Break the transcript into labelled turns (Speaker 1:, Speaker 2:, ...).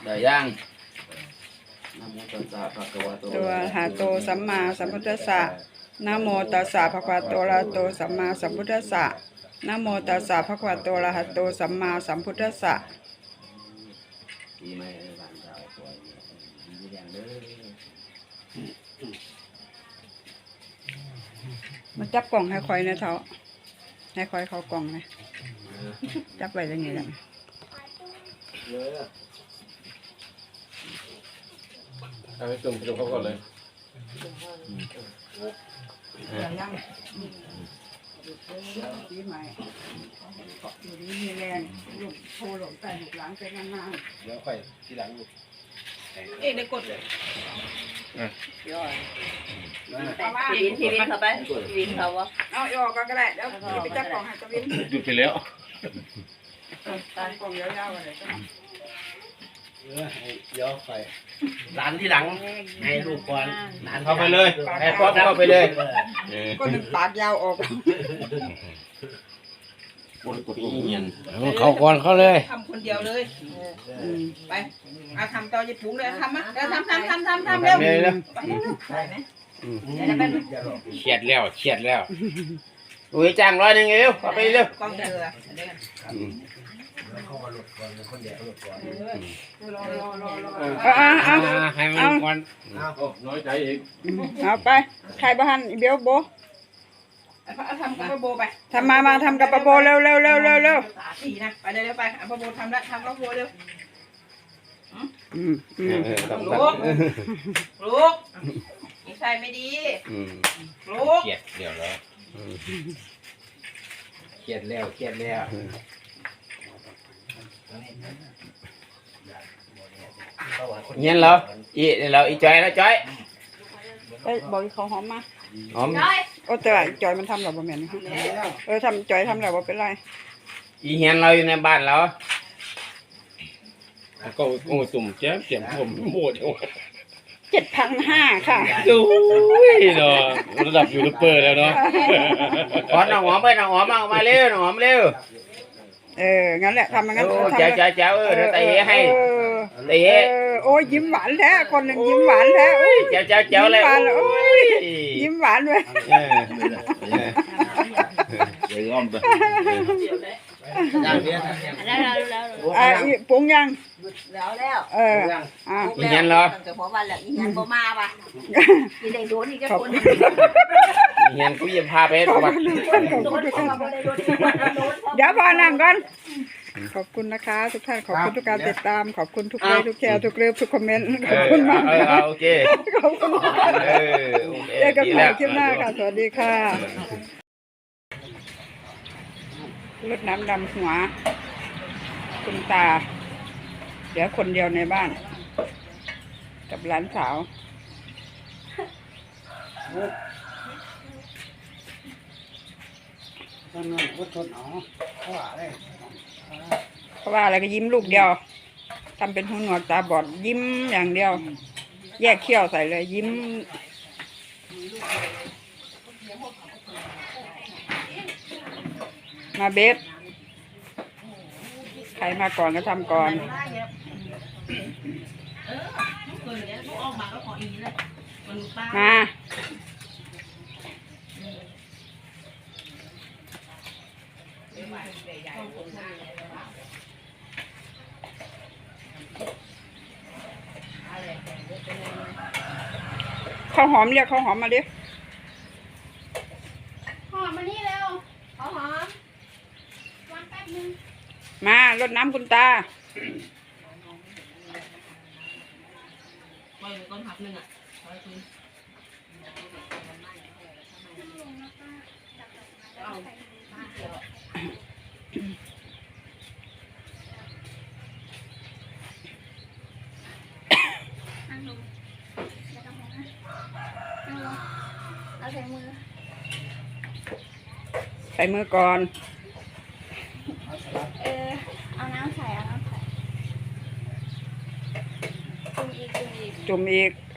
Speaker 1: ได้ย่างนะโมตัสสะภะคะวะโต
Speaker 2: ตัวหาโตสัมมาสัมพุทธัสสะนะโมตัสสะภะคะวะโตอะระหะโตสัมมาสัมพุทธัสสะนะโมตัสสะภะคะวะโตอะระหะโตสัมมาสัมพุทธัสสะ
Speaker 1: ปีใหม่บ้านเราปล่อยดีอย่างเด้อ
Speaker 2: มาจับกล่องให้คอยนะเท้าให้คอยเขากล่องนะจับไว้อย่างนี้แหละ
Speaker 3: เอาไปจุ่มเขาก่อนเลย
Speaker 2: ยังปีใหม่อยู่ดีมีแรงลูกโทรหลงแต่ลูกหลังไปนาน
Speaker 3: เดี๋ยวค่อยทีหลังลูก
Speaker 2: ๆได้กดเลยย่อย
Speaker 4: พี่วินเข้าไปพี่วินเขาวะ
Speaker 2: เอาออกก็ได้เดี๋ยวไปจับกล่องให้ตะวิน
Speaker 3: หยุดไปแล้ว
Speaker 2: ตามกล่องยาวๆอะไรก็
Speaker 1: เดี๋ยวไปหลานที่หลังให้ลูกก่อนหลาน
Speaker 3: เข้าไปเลย
Speaker 1: ให้ครอบเข้าไปเลย
Speaker 2: ก็นึงปากยาวออก
Speaker 1: กดเงียน
Speaker 3: เขาก่อนเขาเลย
Speaker 4: ทำคนเดียวเลยไปเอาทำต่อญี่ปุ่นเลยทำมั้ยเดี๋ยวทำเร็ว
Speaker 3: เลยนะ
Speaker 4: ไปไหม
Speaker 3: เครียดแล้วอุ้ยจ้าง100นึงเร็วเข้าไปเร็ว
Speaker 4: กองเรือ
Speaker 3: ให้มันก่อนน้อยใจอีก
Speaker 2: เอาไปใครบ้านเบี้ยวโบ
Speaker 4: ทำกับโบไป
Speaker 2: ทำมาทำกับปะโบเร็ว
Speaker 4: สี่นะไปเร็วไปเอาโบทำแล้วทำกับโบเร็วลูกนิสัยไม่ดีลูก
Speaker 3: เครียดเดี๋ยวแล้วเครียดแล้ว เงี้ยเหรออีจอยแล้วจอย
Speaker 2: ไปบอกเขาหอมมา
Speaker 3: หอม
Speaker 2: โอ้แต่จอยมันทำหรอบ่แม่นทำจอยทำแล้วบ่เป็นไร
Speaker 3: อีเฮียนเราอยู่ในบ้านเราก็ตุ่มแจ่มผมโหด
Speaker 2: 7,500 ค่ะ
Speaker 3: ดูเนาะระดับยูทูบเบอร์แล้วเนาะขอน้องหอมไปน้องหอมมาเร็วน้องหอมเร็ว
Speaker 2: งั้นแหละทำงั้น
Speaker 3: เจ้าเดี๋ยวเตะให้เตะ
Speaker 2: โอ้ยยิ้มหวานแท้คนหนึ่งยิ้มหวานแท้
Speaker 3: เจ้าเลย
Speaker 2: ยิ้มหวานเลย
Speaker 1: เดี๋ยวอ้อมไป
Speaker 2: ปรุงยัง
Speaker 4: แล้ว
Speaker 3: อีเฮียนเหรอ
Speaker 4: จะบอกว่าแหละอีเฮียนบ่มาว่ะอีได้โดนอีกคน
Speaker 3: อีเฮียนกูจะพาไปวัด
Speaker 2: เดี๋ยวพอนั่งก่อนขอบคุณนะคะทุกท่านขอบคุณทุกการติดตามขอบคุณทุกไลค์ทุกแชร์ทุกเลิฟทุกคอมเมนต์ขอบคุณมาก
Speaker 3: โอเค
Speaker 2: ขอบคุณเจอกันใหม่คลิปหน้าค่ะสวัสดีค่ะรดน้ำดำหัวคุณตาเดี๋ยวคนเดียวในบ้านกับหลานสาวเพราะว่าอะไรก็ยิ้มลูกเดียวทำเป็นหูหนวกตาบอดยิ้มอย่างเดียว แยกเขี้ยวใส่เลยยิ้มมาเบสใครมาก่อนก็ทำก่อนมาข้าวหอมเรียกข้าวหอมมาดิ
Speaker 5: หอมมานี่เร็วหอมวันแป๊บนึง
Speaker 2: มารดน้ำคุณตา
Speaker 4: ต้นหักหนึ่งอ่ะ
Speaker 5: นั่งลงไม่ต้องห่วงนะนั่งลงเอาใส่มือ
Speaker 2: ใส่มือก่อน
Speaker 5: เอาน้ำใส่จุ่มอีก
Speaker 2: จุ่มอีก